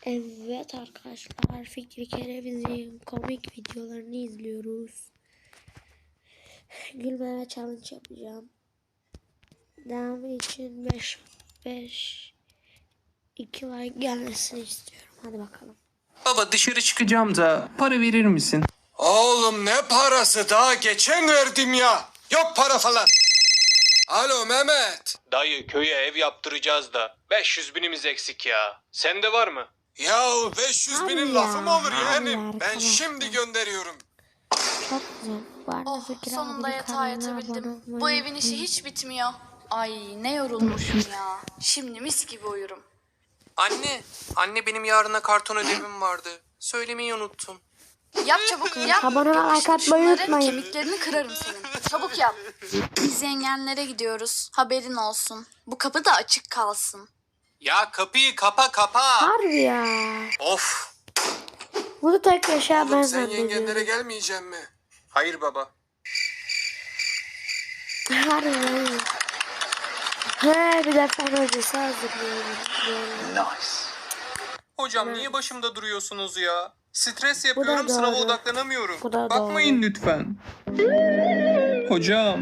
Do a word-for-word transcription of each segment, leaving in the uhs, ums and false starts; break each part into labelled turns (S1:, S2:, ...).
S1: Evet arkadaşlar, Fikri Kereviz'in komik videolarını izliyoruz. Gülmeme challenge yapacağım. Devamı için beş beş iki like gelmesini istiyorum. Hadi bakalım.
S2: Baba dışarı çıkacağım da para verir misin?
S3: Oğlum ne parası, daha geçen verdim ya. Yok para falan. Alo Mehmet.
S2: Dayı köye ev yaptıracağız da beş yüz binimiz eksik ya. Sende var mı?
S3: Ya beş yüz
S1: Hadi
S3: binin
S1: ya,
S3: lafı mı olur
S1: hadi
S3: yeğenim? Ben
S1: arkadaşlar.
S3: şimdi gönderiyorum.
S1: Çok güzel. Bu arada
S4: Oh,
S1: Fikri
S4: sonunda
S1: abinin
S4: yatağa
S1: kanalına
S4: yatabildim.
S1: abone olmayı
S4: Bu evin işi
S1: unutmayın.
S4: hiç bitmiyor. Ay ne yorulmuşum ya. Şimdi mis gibi uyurum.
S2: Anne, anne benim yarına karton ödevim vardı. Söylemeyi unuttum.
S4: Yap çabuk yap.
S1: Abone ol, like atmayı
S4: Şunların
S1: unutmayın.
S4: kemiklerini kırarım senin. Çabuk yap. Biz yengenlere gidiyoruz. Haberin olsun. Bu kapı da açık kalsın.
S2: Ya kapıyı kapa kapa.
S1: Harbi ya.
S2: Of.
S1: Bunu tek yaşa ben
S3: Oğlum sen
S1: zannediyorum.
S3: yengenlere gelmeyecek mi?
S2: Hayır baba.
S1: Harbi ya. He, bir de fen hocası hazırlıyorum.
S2: Hocam niye başımda duruyorsunuz ya? Stres
S1: Bu
S2: yapıyorum,
S1: da
S2: sınava
S1: doğru.
S2: odaklanamıyorum.
S1: Bu da
S2: Bakmayın lütfen. Hocam.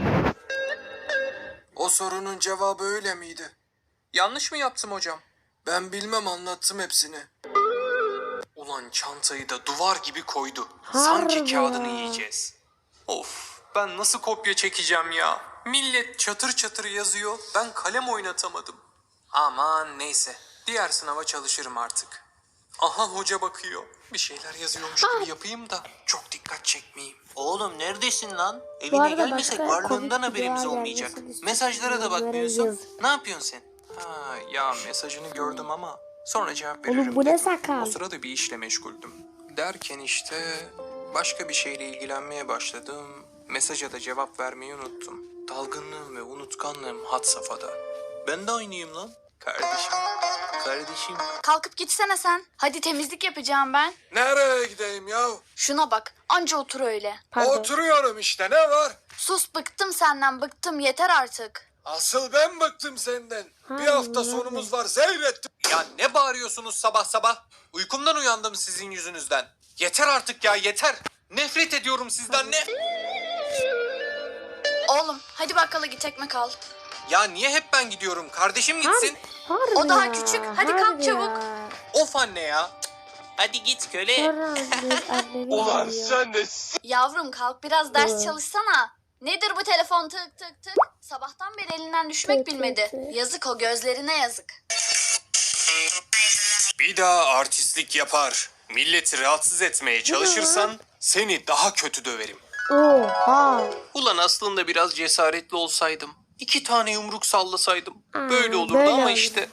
S3: O sorunun cevabı öyle miydi?
S2: Yanlış mı yaptım hocam?
S3: Ben bilmem, anlattım hepsini.
S2: Ulan çantayı da duvar gibi koydu.
S1: Harbi
S2: Sanki kağıdını
S1: ya.
S2: yiyeceğiz. Of, ben nasıl kopya çekeceğim ya? Millet çatır çatır yazıyor, ben kalem oynatamadım. Aman neyse, diğer sınava çalışırım artık. Aha hoca bakıyor. Bir şeyler yazıyormuş gibi yapayım da çok dikkat çekmeyeyim.
S5: Oğlum neredesin lan?
S1: Bu
S5: Evine
S1: arada
S5: gelmesek
S1: başka
S5: varlığından
S1: komik
S5: haberimiz
S1: videolar
S5: olmayacak.
S1: gelmesini istiyorum.
S5: Mesajlara da bakmıyorsun.
S1: Yorumlara
S5: Ne yapıyorsun sen?
S2: Ha, ya mesajını gördüm ama sonra cevap
S1: Oğlum
S2: veririm
S1: bu ne
S2: dedim.
S1: sakal?
S2: O sırada bir işle meşguldüm. Derken işte başka bir şeyle ilgilenmeye başladım. Mesaja da cevap vermeyi unuttum. Dalgınlığım ve unutkanlığım had safhada.
S5: Ben de aynıyım lan.
S2: Kardeşim.
S5: Kardeşim.
S4: Kalkıp gitsene sen. Hadi temizlik yapacağım ben.
S3: Nereye gideyim ya?
S4: Şuna bak. Anca otur öyle.
S1: Pardon.
S3: Oturuyorum işte, ne var?
S4: Sus, bıktım senden, bıktım, yeter artık.
S3: Asıl ben bıktım senden. Bir
S1: Hayır,
S3: hafta
S1: öyle.
S3: sonumuz var, seyrettim.
S2: Ya ne bağırıyorsunuz sabah sabah? Uykumdan uyandım sizin yüzünüzden. Yeter artık ya, yeter. Nefret ediyorum sizden, ne?
S4: Oğlum hadi bakkala git, ekmek al.
S2: Ya niye hep ben gidiyorum? Kardeşim gitsin.
S1: Harbi
S4: O daha
S1: ya,
S4: küçük. Hadi kalk
S1: harbi
S4: çabuk.
S1: ya.
S2: Of anne ya.
S5: Hadi git köle.
S1: Sonra anne- annemi geliyor.
S3: de...
S4: Yavrum kalk biraz ders
S1: Evet.
S4: çalışsana. Nedir bu telefon tık tık tık? Sabahtan beri elinden düşmek
S1: Tık tık
S4: bilmedi.
S1: tık.
S4: Yazık o gözlerine yazık.
S2: Bir daha artistlik yapar, milleti rahatsız etmeye çalışırsan seni daha kötü döverim.
S1: Oha.
S2: Ulan aslında biraz cesaretli olsaydım, iki tane yumruk sallasaydım
S1: Aa,
S2: böyle olurdu
S1: böyle
S2: ama
S1: olur.
S2: işte.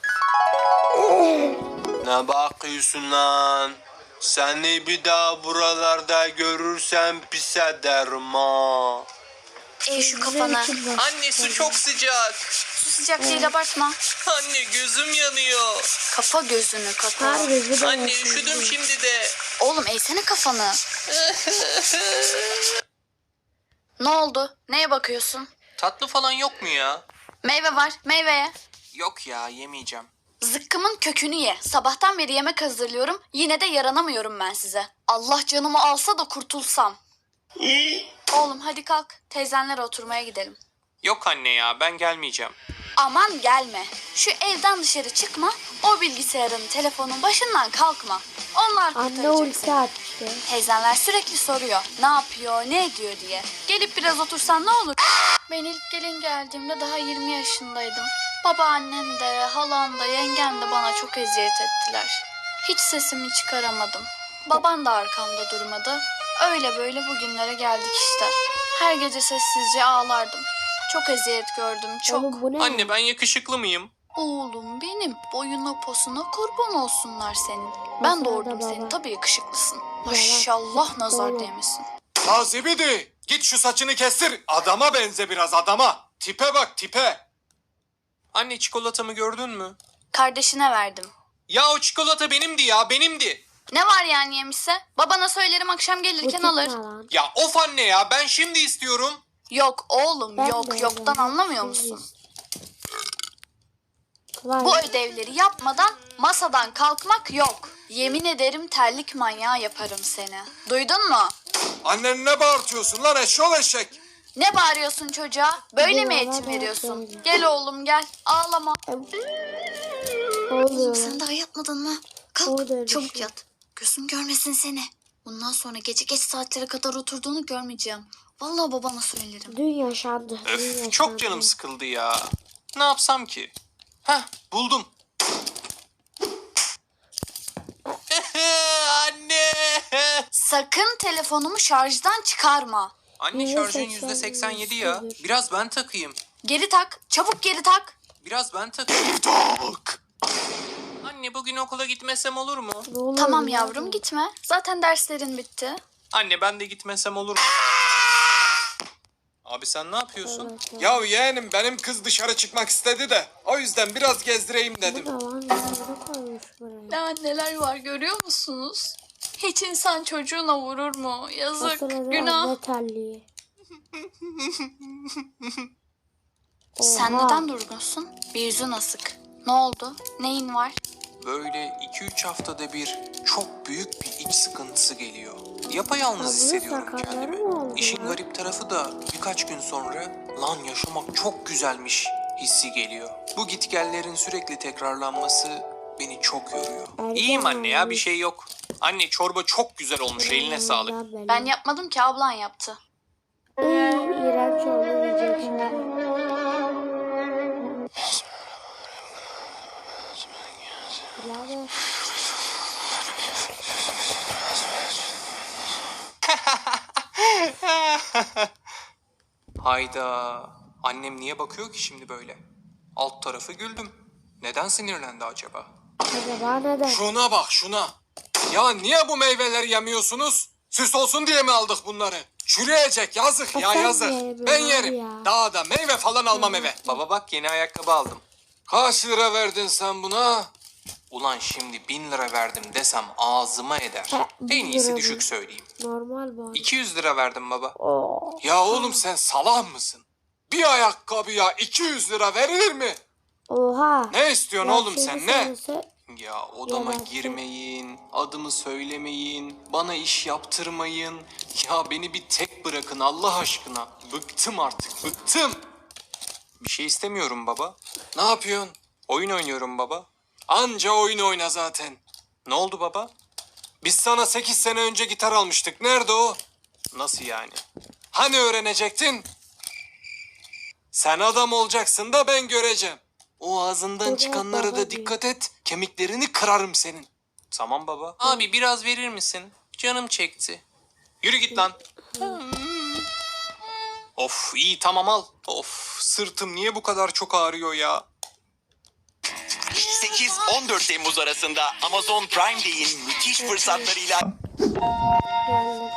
S2: Ne bakıyorsun lan? Seni bir daha buralarda görürsem pis ederim ha.
S4: Ey şu kafanı.
S2: Anne su çok sıcak.
S4: Su sıcak değil, abartma.
S2: Anne gözüm yanıyor.
S4: Kapa gözünü kapa.
S1: Harbi bu da
S2: Anne
S1: nasıl?
S2: üşüdüm şimdi de.
S4: Oğlum eğsene kafanı. Ne oldu? Neye bakıyorsun?
S2: Tatlı falan yok mu ya?
S4: Meyve var, meyveye.
S2: Yok ya, yemeyeceğim.
S4: Zıkkımın kökünü ye. Sabahtan beri yemek hazırlıyorum. Yine de yaranamıyorum ben size. Allah canımı alsa da kurtulsam. Oğlum hadi kalk. Teyzenlere oturmaya gidelim.
S2: Yok anne ya, ben gelmeyeceğim.
S4: Aman gelme. Şu evden dışarı çıkma. O bilgisayarın, telefonun başından kalkma. Onlar
S1: Anne
S4: kurtaracak
S1: ulti
S4: seni.
S1: attı.
S4: Teyzenler sürekli soruyor. Ne yapıyor, ne ediyor diye. Gelip biraz otursan ne olur? Ben ilk gelin geldiğimde daha yirmi yaşındaydım. Babaannem de, halam da, yengem de bana çok eziyet ettiler. Hiç sesimi çıkaramadım. Baban da arkamda durmadı. Öyle böyle bugünlere geldik işte. Her gece sessizce ağlardım. Çok eziyet gördüm, çok.
S1: Oğlum bu ne?
S2: Anne ben yakışıklı mıyım?
S4: Oğlum benim, boyuna posuna kurban olsunlar senin. Ben
S1: Nasıl
S4: doğurdum
S1: da baba?
S4: seni, tabii yakışıklısın. Maşallah nazar
S1: Oğlum.
S4: değmesin.
S3: Ha zibidi, git şu saçını kestir. Adama benze biraz, adama. Tipe bak, tipe.
S2: Anne çikolatamı gördün mü?
S4: Kardeşine verdim.
S2: Ya o çikolata benimdi ya, benimdi.
S4: Ne var yani yemişse? Babana söylerim akşam
S1: Bu
S4: gelirken
S1: tip
S4: alır.
S1: ne lan?
S2: Ya of anne ya, ben şimdi istiyorum.
S4: Yok oğlum
S1: Ben
S4: yok
S1: de
S4: yoktan
S1: öyle.
S4: anlamıyor musun?
S1: Vay.
S4: Bu ödevleri yapmadan masadan kalkmak yok. Yemin ederim terlik manyağı yaparım seni. Duydun mu?
S3: Annen ne bağırtıyorsun lan eşşoğlu eşek?
S4: Ne bağırıyorsun çocuğa? Böyle mi
S1: Baba,
S4: eğitim
S1: baba,
S4: veriyorsun?
S1: baba.
S4: Gel oğlum gel. Ağlama.
S1: Ne oluyor?
S4: Sen daha yatmadın mı? Kalk
S1: Oldu öyle
S4: çabuk
S1: şey.
S4: yat. Gözüm görmesin seni. Bundan sonra gece geç saatlere kadar oturduğunu görmeyeceğim. Vallahi babana söylerim.
S1: Dün yaşandı. Dün
S2: Öf,
S1: yaşandı.
S2: çok canım sıkıldı ya. Ne yapsam ki? Heh, buldum. Anne!
S4: Sakın telefonumu şarjdan çıkarma.
S2: Anne
S1: Yüzde
S2: şarjın
S1: seksen
S2: yüzde seksen yedi ya.
S1: sıfır.
S2: Biraz ben takayım.
S4: Geri tak. Çabuk geri tak.
S2: Biraz ben takayım.
S3: Tak.
S2: Anne bugün okula gitmesem olur mu?
S1: Ne oluyor
S4: Tamam
S1: ya?
S4: yavrum gitme. Zaten derslerin bitti.
S2: Anne ben de gitmesem olur mu? Abi sen ne yapıyorsun?
S1: Evet, evet.
S3: Ya yeğenim benim kız dışarı çıkmak istedi de o yüzden biraz gezdireyim
S1: Bu
S3: dedim.
S1: da lan ne koymuş buraya?
S4: Ya neler var görüyor musunuz? Hiç insan çocuğuna vurur mu? Yazık,
S1: O sırada
S4: günah.
S1: anne terliği.
S4: Sen
S1: Oha.
S4: neden durgunsun? Bir yüzün asık. Ne oldu? Neyin var?
S2: Böyle iki üç haftada bir çok büyük bir iç sıkıntısı geliyor. Yapayalnız
S1: Abi,
S2: hissediyorum
S1: sakalları
S2: kendimi.
S1: mı oldu
S2: İşin
S1: ya?
S2: garip tarafı da birkaç gün sonra lan yaşamak çok güzelmiş hissi geliyor. Bu gitgellerin sürekli tekrarlanması beni çok yoruyor.
S1: Ergen
S2: İyiyim anne ya bir
S1: olmuş.
S2: şey yok. Anne çorba çok güzel olmuş eline sağlık.
S4: Ben yapmadım ki ablan yaptı.
S1: Iıı, iğrenç oldu diyecek şimdi. Birader.
S2: Hayda. Annem niye bakıyor ki şimdi böyle? Alt tarafı güldüm. Neden sinirlendi acaba?
S1: Acaba neden?
S3: Şuna bak şuna. Ya niye bu meyveleri yemiyorsunuz? Süs olsun diye mi aldık bunları? Çürüyecek yazık ya
S1: sen
S3: yazık.
S1: ye,
S3: Ben
S1: abi
S3: yerim.
S1: ya.
S3: Daha da meyve falan almam eve.
S2: Baba bak yeni ayakkabı aldım.
S3: Kaç lira verdin sen buna?
S2: Ulan şimdi bin lira verdim desem ağzıma eder.
S1: Ha, bin
S2: En iyisi
S1: lira
S2: düşük
S1: mı?
S2: söyleyeyim.
S1: Normal bu.
S2: iki yüz lira verdim baba.
S1: Oo.
S3: Ya oğlum sen salak mısın? Bir ayakkabıya iki yüz lira verilir mi?
S1: Oha.
S3: Ne istiyorsun
S1: Ya
S3: oğlum
S1: şimdi
S3: sen ne?
S1: söylese-
S2: Ya odama
S1: Yalan.
S2: girmeyin, adımı söylemeyin, bana iş yaptırmayın. Ya beni bir tek bırakın Allah aşkına. Bıktım artık, bıktım. Bir şey istemiyorum baba.
S3: Ne yapıyorsun?
S2: Oyun oynuyorum baba.
S3: Anca oyun oyna zaten.
S2: Ne oldu baba?
S3: Biz sana sekiz sene önce gitar almıştık. Nerede o?
S2: Nasıl yani?
S3: Hani öğrenecektin? Sen adam olacaksın da ben göreceğim. O ağzından
S1: Evet,
S3: çıkanlara da
S1: babacığım.
S3: dikkat et. Kemiklerini kırarım senin.
S2: Tamam baba. Abi biraz verir misin? Canım çekti. Yürü git lan. Of iyi tamam al. Of sırtım niye bu kadar çok ağrıyor ya?
S6: sekiz on dört Temmuz arasında Amazon Prime Day'in müthiş fırsatlarıyla
S1: Geldim.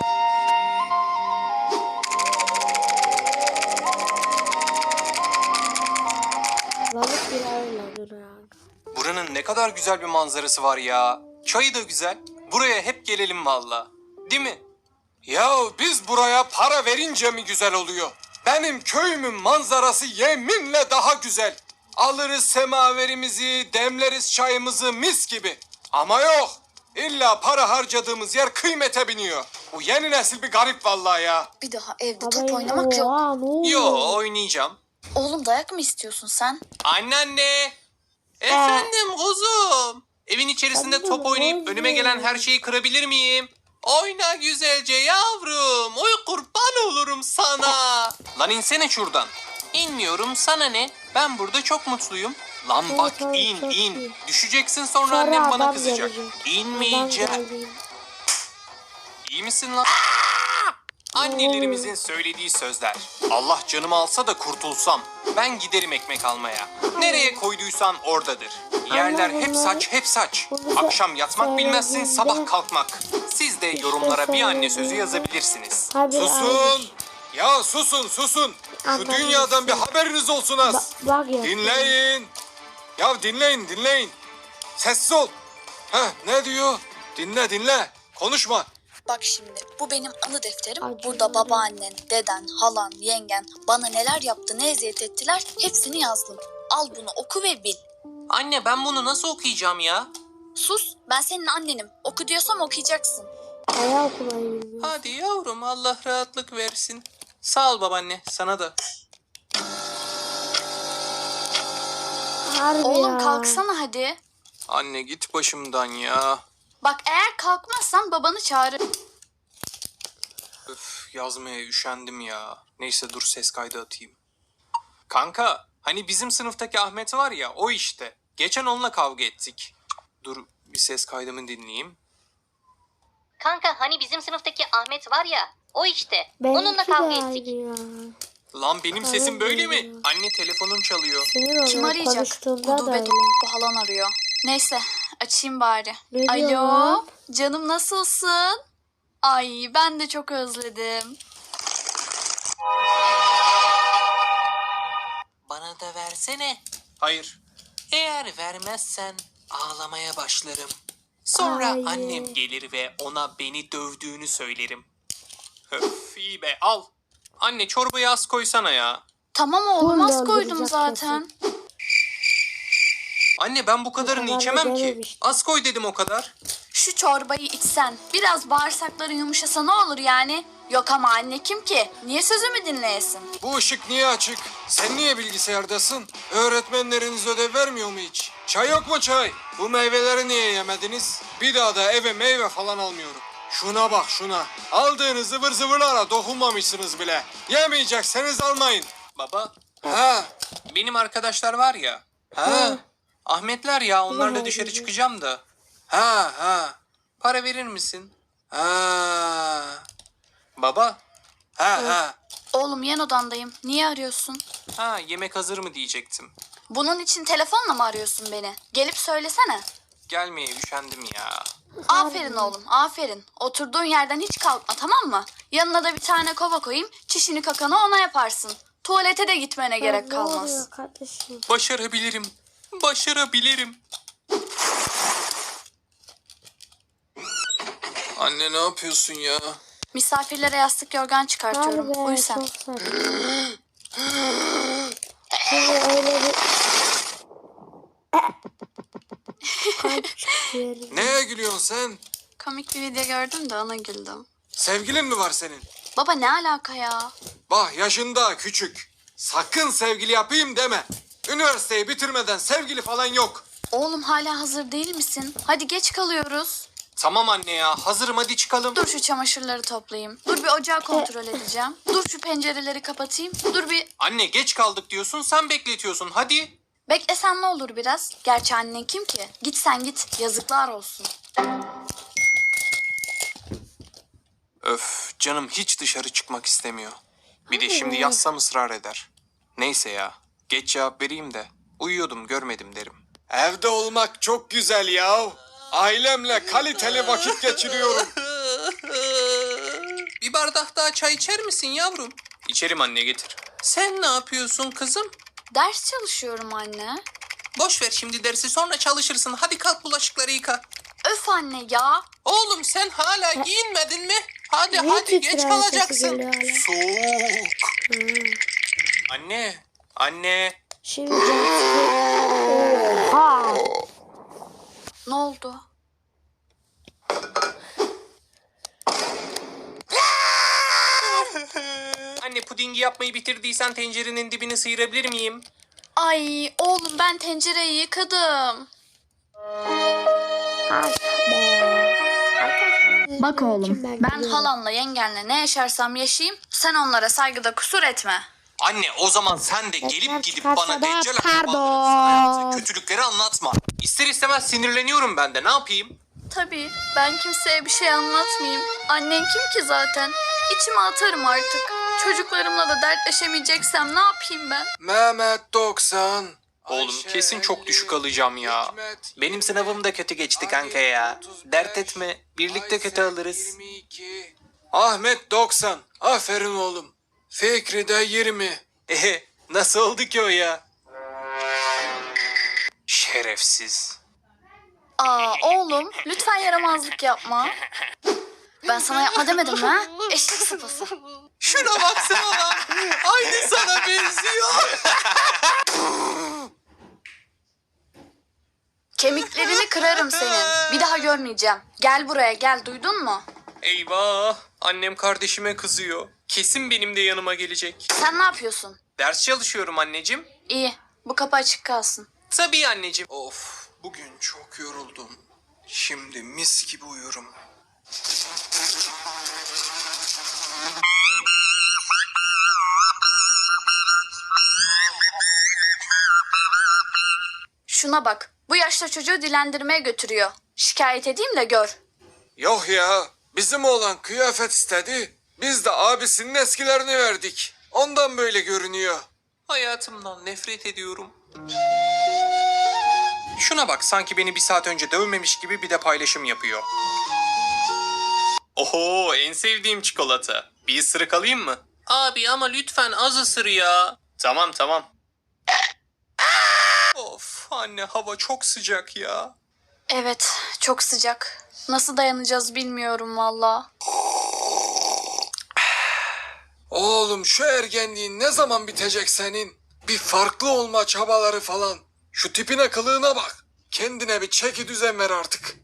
S1: Balık bile öyle duruyor.
S2: Buranın ne kadar güzel bir manzarası var ya. Çayı da güzel. Buraya hep gelelim valla. Değil mi?
S3: Ya biz buraya para verince mi güzel oluyor? Benim köyümün manzarası yeminle daha güzel. Alırız semaverimizi, demleriz çayımızı mis gibi. Ama yok. İlla para harcadığımız yer kıymete biniyor. Bu yeni nesil bir garip vallahi ya.
S4: Bir daha evde
S1: Baba,
S4: top oynamak yok.
S1: oha, ne oluyor?
S2: Yo oynayacağım.
S4: Oğlum dayak mı istiyorsun sen?
S2: Anneanne. Efendim kuzum. Evin içerisinde
S1: Anne,
S2: top oynayıp
S1: ne
S2: önüme gelen her şeyi kırabilir miyim? Oyna güzelce yavrum. Oy kurban olurum sana. Lan insene şuradan. İnmiyorum sana ne? Ben burada çok mutluyum. Lan
S1: Evet,
S2: bak
S1: evet,
S2: in
S1: çok
S2: in.
S1: iyi.
S2: Düşeceksin sonra
S1: Sonra
S2: annem bana
S1: adam
S2: kızacak.
S1: gelecek.
S2: İnmeyeceğim.
S1: Adam geldi.
S2: İyi misin lan? Annelerimizin söylediği sözler. Allah canımı alsa da kurtulsam. Ben giderim ekmek almaya. Nereye koyduysan oradadır. Yerler hep
S1: bunları-
S2: saç hep saç.
S1: bunu
S2: Akşam yatmak bilmezsin
S1: söylediğinde-
S2: sabah kalkmak. Siz de yorumlara bir anne sözü
S1: söylediğinde-
S2: yazabilirsiniz.
S1: Hadi
S3: Susun.
S1: abi.
S3: Ya susun susun. Şu
S1: Anladım.
S3: dünyadan bir haberiniz olsun az.
S1: Ba- bak ya.
S3: Dinleyin. Ya dinleyin dinleyin. Sessiz ol. Heh ne diyor? Dinle dinle. Konuşma.
S4: Bak şimdi bu benim anı defterim.
S1: Acı
S4: Burada
S1: öyle.
S4: babaannen, deden, halan, yengen bana neler yaptı, ne eziyet ettiler hepsini yazdım. Al bunu oku ve bil.
S2: Anne ben bunu nasıl okuyacağım ya?
S4: Sus, ben senin annenim. Oku diyorsam okuyacaksın.
S1: Bayağı okula gidiyor.
S5: Hadi yavrum, Allah rahatlık versin. Sağ ol babaanne, sana da.
S1: Harbi
S4: Oğlum
S1: ya.
S4: kalksana hadi.
S3: Anne git başımdan ya.
S4: Bak eğer kalkmazsan babanı çağır.
S3: Öf, yazmaya üşendim ya. Neyse dur ses kaydı atayım. Kanka hani bizim sınıftaki Ahmet var ya, o işte. Geçen onunla kavga ettik. Dur bir ses kaydımı dinleyeyim.
S7: Kanka hani bizim sınıftaki Ahmet var ya, o işte.
S1: Benimki
S7: Onunla
S1: de
S7: kavga
S1: aynı
S7: ettik.
S1: ya.
S3: Lan benim sesim böyle mi?
S1: Aynen.
S3: Anne telefonum çalıyor.
S1: Sinir
S4: Kim
S1: oluyorum.
S4: arayacak?
S1: Konuştuğumda da
S4: Gudubet
S1: öyle.
S4: bu halan arıyor. Neyse açayım bari.
S1: Ne diyor
S4: Alo
S1: lan?
S4: canım nasılsın? Ay ben de çok özledim.
S5: Bana da versene.
S3: Hayır.
S5: Eğer vermezsen ağlamaya başlarım. Sonra
S1: Hayır.
S5: annem gelir ve ona beni dövdüğünü söylerim.
S3: Öf iyi be al. Anne çorbayı az koysana ya.
S4: Tamam oğlum
S1: Bunu
S4: az koydum
S1: öldürecek
S4: zaten.
S3: Anne ben bu kadarını
S1: kadar
S3: içemem ki.
S1: dememiştim.
S3: Az koy dedim o kadar.
S4: Şu çorbayı içsen biraz bağırsakların yumuşasa ne olur yani? Yok ama anne kim ki? Niye sözümü dinleyesin?
S3: Bu ışık niye açık? Sen niye bilgisayardasın? Öğretmenleriniz ödev vermiyor mu hiç? Çay yok mu çay? Bu meyveleri niye yemediniz? Bir daha da eve meyve falan almıyorum. Şuna bak şuna. Aldığınız zıvır zıvırlara dokunmamışsınız bile. Yemeyecekseniz almayın. Baba. Ha. Benim arkadaşlar var ya. Ha. Ahmetler ya, onlarla
S1: Ne
S3: dışarı
S1: oldu?
S3: çıkacağım da. Ha ha. Para verir misin? Ha. Baba. Ha ha.
S4: Oğlum yan odandayım. Niye arıyorsun?
S3: Ha yemek hazır mı diyecektim.
S4: Bunun için telefonla mı arıyorsun beni? Gelip söylesene.
S3: Gelmeye üşendim ya.
S4: Aferin oğlum, aferin. Oturduğun yerden hiç kalkma, tamam mı? Yanına da bir tane kova koyayım, çişini kakanı ona yaparsın. Tuvalete de gitmene gerek
S1: Ne
S4: kalmaz.
S1: oluyor kardeşim?
S3: Başarabilirim. Başarabilirim. Anne ne yapıyorsun ya?
S4: Misafirlere yastık yorgan çıkartıyorum.
S1: Harbi
S4: Uyu sen.
S1: çok saçma. Şimdi öyle bir... Kalp çıkıyor.
S3: Neye gülüyorsun sen?
S4: Komik bir video gördüm de ona güldüm.
S3: Sevgilin mi var senin?
S4: Baba ne alaka ya?
S3: Bak yaşında küçük. Sakın sevgili yapayım deme. Üniversiteyi bitirmeden sevgili falan yok.
S4: Oğlum hala hazır değil misin? Hadi geç kalıyoruz.
S3: Tamam anne ya, hazırım, hadi çıkalım.
S4: Dur şu çamaşırları toplayayım. Dur bir ocağı kontrol edeceğim. Dur şu pencereleri kapatayım. Dur bir...
S3: Anne geç kaldık diyorsun, sen bekletiyorsun, hadi.
S4: Beklesen ne olur biraz? Gerçi annen kim ki? Git sen git. Yazıklar olsun.
S3: Öf, canım hiç dışarı çıkmak istemiyor. Bir de şimdi yazsam ısrar eder. Neyse ya, geç cevap vereyim de uyuyordum görmedim derim. Evde olmak çok güzel ya. Ailemle kaliteli vakit geçiriyorum.
S5: Bir bardak daha çay içer misin yavrum?
S3: İçerim anne, getir.
S5: Sen ne yapıyorsun kızım?
S4: Ders çalışıyorum anne.
S5: Boş ver şimdi dersi, sonra çalışırsın. Hadi kalk bulaşıkları yıka.
S4: Öf anne ya.
S5: Oğlum sen hala giyinmedin mi? Hadi
S1: Niye
S5: hadi geç
S1: titrer sesi
S5: kalacaksın.
S1: geliyor hala?
S3: Soğuk. Anne, anne.
S1: Şimdi Oha!
S4: Ne oldu?
S3: Anne pudingi yapmayı bitirdiysen tencerenin dibini sıyırabilir miyim?
S4: Ay oğlum ben tencereyi yıkadım. Bak oğlum ben halanla yengenle ne yaşarsam yaşayayım sen onlara saygıda kusur etme.
S3: Anne o zaman sen de
S1: Ekmek
S3: gelip gidip
S1: çıkarsa
S3: bana
S1: da
S3: deccal
S1: pardon.
S3: akrabaların sana yaptığı kötülükleri anlatma. İster istemez sinirleniyorum ben de, ne yapayım?
S4: Tabii ben kimseye bir şey anlatmayayım. Annen kim ki zaten? İçime atarım artık. Çocuklarımla da dertleşemeyeceksem ne yapayım ben?
S3: Mehmet doksan. Oğlum kesin çok düşük alacağım ya. Benim sınavım da kötü geçti kanka ya. Dert etme, birlikte kötü alırız. Ahmet doksan. Aferin oğlum. Fikri de yirmi. Ehe, nasıl oldu ki o ya? Şerefsiz.
S4: Aa oğlum lütfen yaramazlık yapma. Ben sana yapma demedim mi ha? Eşek sıpası.
S5: Şuna baksana lan. Aynı sana benziyor.
S4: Kemiklerini kırarım senin. Bir daha görmeyeceğim. Gel buraya gel, duydun mu?
S2: Eyvah! Annem kardeşime kızıyor. Kesin benim de yanıma gelecek.
S4: Sen ne yapıyorsun?
S2: Ders çalışıyorum anneciğim.
S4: İyi, bu kapı açık kalsın.
S2: Tabii anneciğim. Of, bugün çok yoruldum. Şimdi mis gibi uyurum.
S4: Şuna bak, bu yaşta çocuğu dilendirmeye götürüyor. Şikayet edeyim de gör.
S3: Yok ya, bizim oğlan kıyafet istedi. Biz de abisinin eskilerini verdik. Ondan böyle görünüyor.
S2: Hayatımdan nefret ediyorum. Şuna bak, sanki beni bir saat önce dövmemiş gibi bir de paylaşım yapıyor. Oho, en sevdiğim çikolata. Bir ısırık alayım mı? Abi ama lütfen az ısır ya. Tamam tamam. Of anne, hava çok sıcak ya.
S4: Evet, çok sıcak. Nasıl dayanacağız bilmiyorum valla.
S3: Oğlum şu ergenliğin ne zaman bitecek senin? Bir farklı olma çabaları falan. Şu tipine kılığına bak. Kendine bir çeki düzen ver artık.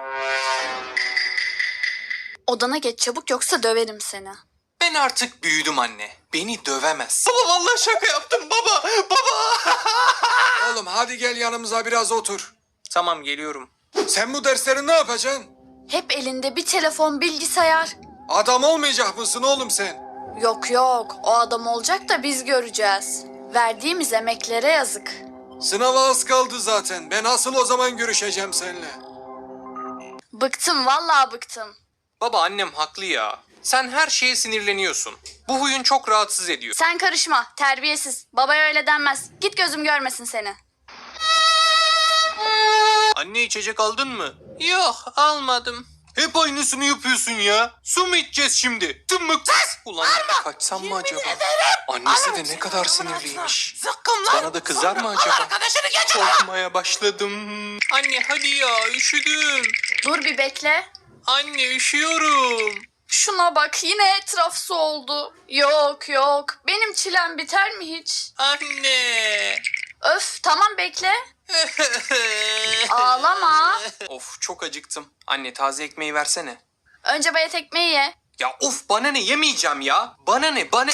S4: Odana geç çabuk yoksa döverim seni.
S2: Ben artık büyüdüm anne. Beni dövemez. Baba vallahi şaka yaptım baba. Baba.
S3: Oğlum hadi gel yanımıza biraz otur.
S2: Tamam, geliyorum.
S3: Sen bu dersleri ne yapacaksın?
S4: Hep elinde bir telefon, bilgisayar.
S3: Adam olmayacak mısın oğlum sen?
S4: Yok yok, o adam olacak da biz göreceğiz. Verdiğimiz emeklere yazık.
S3: Sınava az kaldı zaten. Ben asıl o zaman görüşeceğim seninle.
S4: Bıktım vallahi bıktım.
S2: Baba annem haklı ya. Sen her şeye sinirleniyorsun. Bu huyun çok rahatsız ediyor.
S4: Sen karışma, terbiyesiz. Babaya öyle denmez. Git gözüm görmesin seni.
S2: Anne, içecek aldın mı? Yok, almadım. Hep aynısını yapıyorsun ya. Su mu içeceğiz şimdi? Tımmık. Ulan kaçsam mı acaba? Annesi de ne kadar sinirliymiş. Bana da kızar mı acaba? Korkmaya başladım. Anne hadi ya, üşüdüm.
S4: Dur bir bekle.
S2: Anne üşüyorum.
S4: Şuna bak, yine etraf su oldu. Yok yok, benim çilem biter mi hiç?
S2: Anne.
S4: Öf, tamam bekle. Ağlama.
S2: Of, çok acıktım. Anne, taze ekmeği versene.
S4: Önce bayat ekmeği ye.
S2: Ya of, bana ne, yemeyeceğim ya. Bana ne, bana...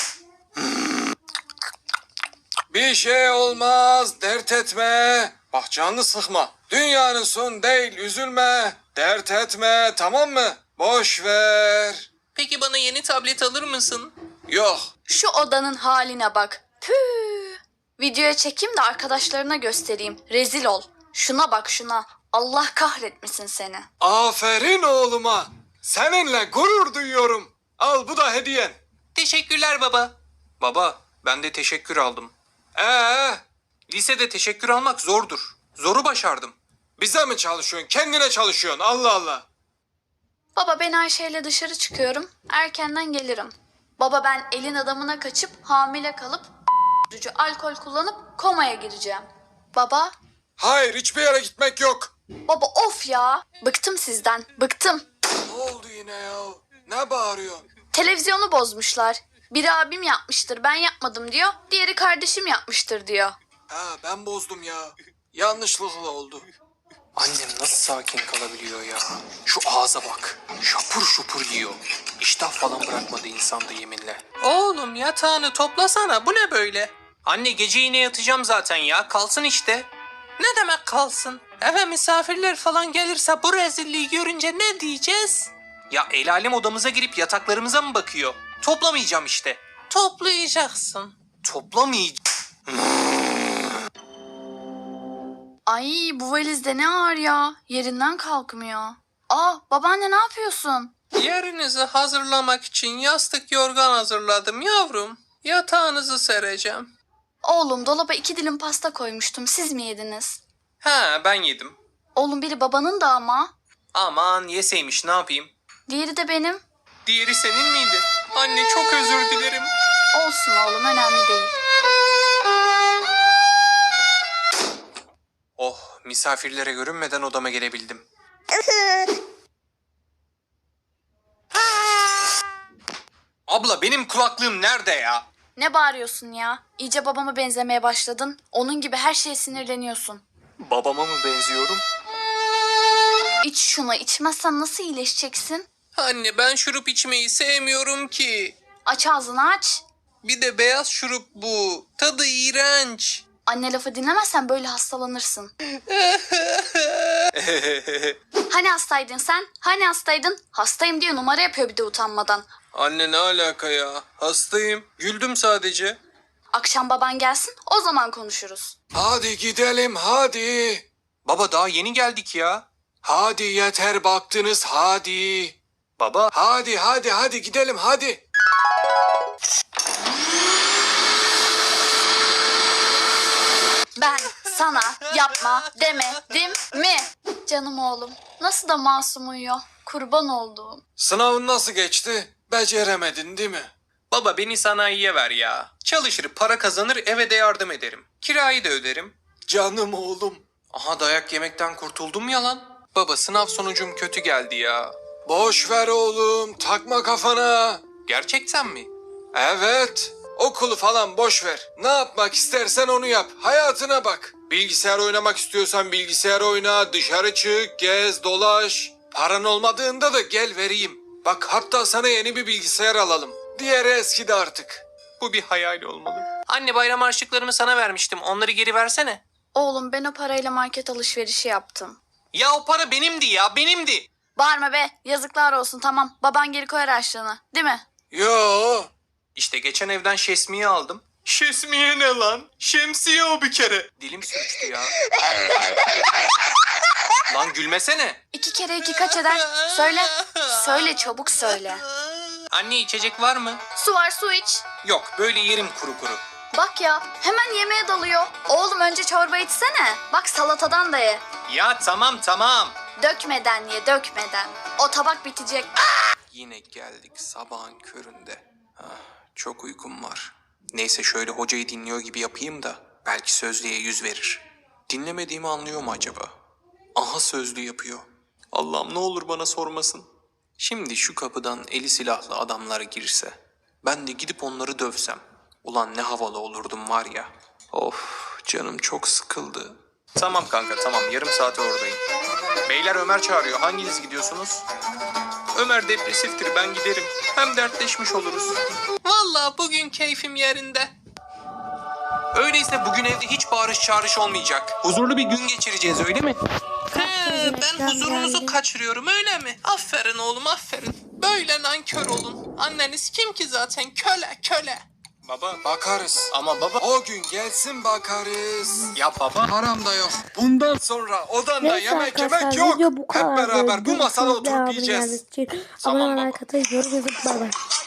S3: Bir şey olmaz, dert etme. Bak canını sıkma. Dünyanın son değil, üzülme. Dert etme, tamam mı? Boş ver.
S2: Peki bana yeni tablet alır mısın?
S3: Yok.
S4: Şu odanın haline bak. Püh. Videoya çekeyim de arkadaşlarına göstereyim. Rezil ol. Şuna bak şuna. Allah kahretmesin seni.
S3: Aferin oğluma. Seninle gurur duyuyorum. Al bu da hediyen.
S2: Teşekkürler baba. Baba, ben de teşekkür aldım.
S3: Ee,
S2: Lisede teşekkür almak zordur. Zoru başardım.
S3: bize mi çalışıyorsun? Kendine çalışıyorsun. Allah Allah.
S4: Baba ben Ayşe'yle dışarı çıkıyorum. Erkenden gelirim. Baba ben elin adamına kaçıp hamile kalıp alkol kullanıp komaya gireceğim. Baba,
S3: Hayır, hiçbir yere gitmek yok.
S4: baba of ya. Bıktım sizden, bıktım.
S3: Ne oldu yine ya? Ne bağırıyorsun?
S4: Televizyonu bozmuşlar. Biri abim yapmıştır, ben yapmadım diyor. Diğeri kardeşim yapmıştır diyor.
S3: Ha, ben bozdum ya. Yanlışlıkla oldu.
S2: Annem nasıl sakin kalabiliyor ya? Şu ağza bak. Şapur şupur yiyor. İştah falan bırakmadı insanda yeminle. Oğlum yatağını toplasana. Bu ne böyle? Anne, gece yine yatacağım zaten ya. Kalsın işte. Ne demek kalsın? Eve misafirler falan gelirse bu rezilliği görünce ne diyeceğiz? Ya el alem odamıza girip yataklarımıza mı bakıyor? Toplamayacağım işte. Toplayacaksın. Toplamayacağım.
S4: Ay bu valiz de ne ağır ya. Yerinden kalkmıyor. Aa babaanne ne yapıyorsun?
S2: Yerinizi hazırlamak için yastık yorgan hazırladım yavrum. Yatağınızı sereceğim.
S4: Oğlum dolaba iki dilim pasta koymuştum. Siz mi yediniz?
S2: Ha, ben yedim.
S4: Oğlum biri babanın da ama.
S2: Aman yeseymiş, ne yapayım?
S4: Diğeri de benim.
S2: Diğeri senin miydi? Anne çok özür dilerim.
S4: Olsun oğlum önemli değil.
S2: Oh, misafirlere görünmeden odama gelebildim. Abla benim kulaklığım nerede ya?
S4: Ne bağırıyorsun ya? İyice babama benzemeye başladın. Onun gibi her şeye sinirleniyorsun.
S2: Babama mı benziyorum?
S4: İç şunu, içmezsen nasıl iyileşeceksin?
S5: Anne ben şurup içmeyi sevmiyorum ki.
S4: Aç ağzını aç.
S5: Bir de beyaz şurup bu. Tadı iğrenç.
S4: Anne lafı dinlemezsen böyle hastalanırsın. Hani hastaydın sen? Hani hastaydın? Hastayım diye numara yapıyor bir de utanmadan.
S5: Anne ne alaka ya? Hastayım. Güldüm sadece.
S4: Akşam baban gelsin, o zaman konuşuruz.
S3: Hadi gidelim hadi.
S2: Baba daha yeni geldik ya.
S3: Hadi yeter baktınız hadi.
S2: Baba.
S3: Hadi hadi hadi gidelim hadi.
S4: Ben sana yapma demedim mi? Canım oğlum, nasıl da masum uyuyor. Kurban olduğum.
S3: Sınavın nasıl geçti? Beceremedin değil mi?
S2: Baba beni sanayiye ver ya. Çalışır, para kazanır, eve de yardım ederim. Kirayı da öderim.
S3: Canım oğlum.
S2: Aha dayak yemekten kurtuldum ya lan. Baba sınav sonucum kötü geldi ya.
S3: Boş ver oğlum, takma kafana.
S2: Gerçekten mi?
S3: Evet, okulu falan boş ver. Ne yapmak istersen onu yap. Hayatına bak. Bilgisayar oynamak istiyorsan bilgisayar oyna, dışarı çık, gez, dolaş. Paran olmadığında da gel vereyim. Bak hatta sana yeni bir bilgisayar alalım. Diğeri eskidi artık.
S2: Bu bir hayal olmalı. Anne bayram harçlıklarımı sana vermiştim. Onları geri versene.
S4: Oğlum ben o parayla market alışverişi yaptım.
S2: Ya o para benimdi ya benimdi.
S4: Bağırma be, yazıklar olsun tamam. Baban geri koyar harçlığını, değil mi?
S3: Yo.
S2: İşte geçen evden şesmiye aldım. Şesmiye ne lan? Şemsiye o bir kere. Dilim sürçtü ya. Lan gülmesene.
S4: İki kere iki kaç eder? Söyle. Söyle çabuk söyle.
S2: Anne içecek var mı?
S4: Su var su iç.
S2: Yok böyle yerim kuru kuru.
S4: Bak ya hemen yemeğe dalıyor. Oğlum önce çorba içsene. Bak salatadan da ye.
S2: Ya tamam tamam.
S4: Dökmeden ye dökmeden. O tabak bitecek.
S2: Yine geldik sabahın köründe. Ah, çok uykum var. Neyse şöyle hocayı dinliyor gibi yapayım da belki sözlüğe yüz verir. Dinlemediğimi anlıyor mu acaba? Aha sözlü yapıyor. Allah'ım ne olur bana sormasın. Şimdi şu kapıdan eli silahlı adamlar girse, ben de gidip onları dövsem. Ulan ne havalı olurdum var ya. Of canım çok sıkıldı. Tamam kanka tamam yarım saate oradayım. Beyler Ömer çağırıyor. Hanginiz gidiyorsunuz? Ömer depresiftir ben giderim. Hem dertleşmiş oluruz.
S5: Vallahi bugün keyfim yerinde.
S2: Öyleyse bugün evde hiç bağırış çağrış olmayacak. Huzurlu bir gün geçireceğiz öyle mi?
S5: He, ben huzurunuzu kaçırıyorum öyle mi? Aferin oğlum aferin. Böyle nankör olun. Anneniz kim ki zaten köle köle.
S2: Baba.
S3: Bakarız.
S2: Ama baba.
S3: O gün gelsin bakarız.
S2: Ya baba.
S3: Param da yok. Bundan sonra odanda
S1: Neyse
S3: yemek
S1: arkadaşlar
S3: yemek yok.
S1: video bu
S3: Hep
S1: kadar.
S3: beraber bu masada
S1: Görüşürüz.
S3: oturup
S1: Devamını
S3: yiyeceğiz.
S1: geldiğiniz için
S2: Tamam
S1: abone
S2: baba.
S1: olmayı, katılmayı, yorum yazıp bay bay.